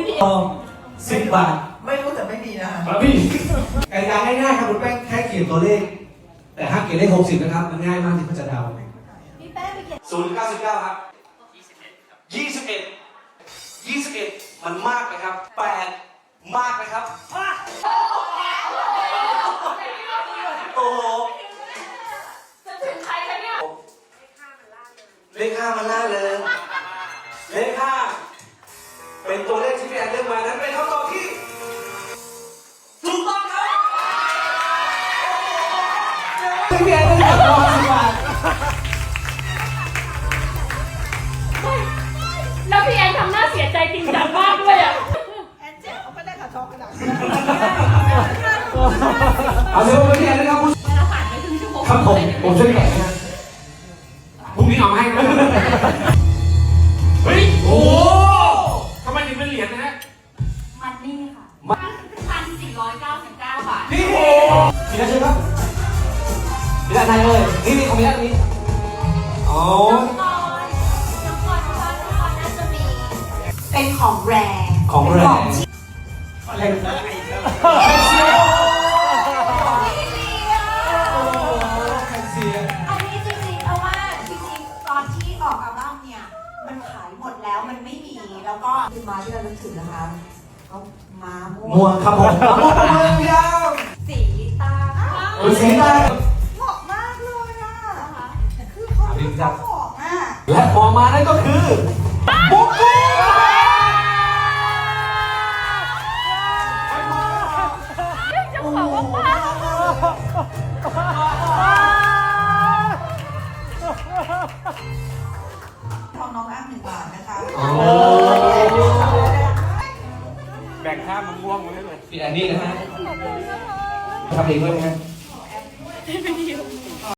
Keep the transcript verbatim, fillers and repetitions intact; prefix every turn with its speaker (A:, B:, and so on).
A: สิบบาท
B: ไม่รู้แต่ไม่มีนะคะ
A: ครับพี่กติกาง่ายๆครับคุณแป้งแค่เขียนตัวเลขแต่ห้ามเขียนเลขหกสิบนะครับมันง่ายมากที่เขาจะเดา
C: พี่แป้งไปเขียน
A: ศูนย์เก้าสิบเก้าครับยี่สิบเอ็ดยี่สิบเอ็ดมันมากไหมครับแปดมากไหมครับโอ้โห
C: จะถึงใครกันเนี่ย
A: เลขห้ามันล่าเลยเลขห้าเป็นตัวเลขที่พี่แอนเลือกมานั้นเป็นคำตอบที่ถูกต้องครับพี่แอนเลือกร้อยสิบบาท
C: แล้วพี่แอนทำหน้าเสียใจจริงจังมากด้วยอ่ะ
B: แอนเจ๊เขาไม่ได้ขาช็อกกระดาษ
A: เอาเร็วไปพี่แอนนะครับคุณ
C: เราผ่านไปครึ่งชั่วโมง
A: ครับผมผมช่วยแกะนะพรุ่งนี้เอาให้นะเฮ้ยโอ้ทำไมถึงเป็นเหรียญนะฮะ
C: มันนี่ค่ะพันสี่ร้อยเก้าสิบเก้าบาท
A: นี่โอ้มีอะไรใช่ไหมมีอะไรเลยนี่นี่ของมีอะไรนี้อ๋อ
C: น้องกอนน้องกอนน้องกอนน่าจะมีเป็นของแรง
A: ของแรงอะไรนะ
C: อันนี้จริงๆเพราะว่าจริงๆตอนที่ออกอัลบั้มเนี่ยมันขายหมดแล้วมันไม่มีแล้วก็คือมาที่เรานึกถึงนะคะเขาม้า
A: ม่วงครับผมม่วงม่วงยาว
C: สีตา
A: โอ้ยสีตา
B: เหมาะมากเลยอ่ะคือเขาเขาเหมาะอ่ะ
A: และพอมานั่นก็คือบุ๊กกี้
C: จะบอกว่าป้า
B: ทองน้องอ้างหนึ่งบาทนะคะ
D: แบ่งข้ามมะม่วงมาให้เลย
A: พี่แอนนี่นะฮะทำเองด้วยไหมฮะ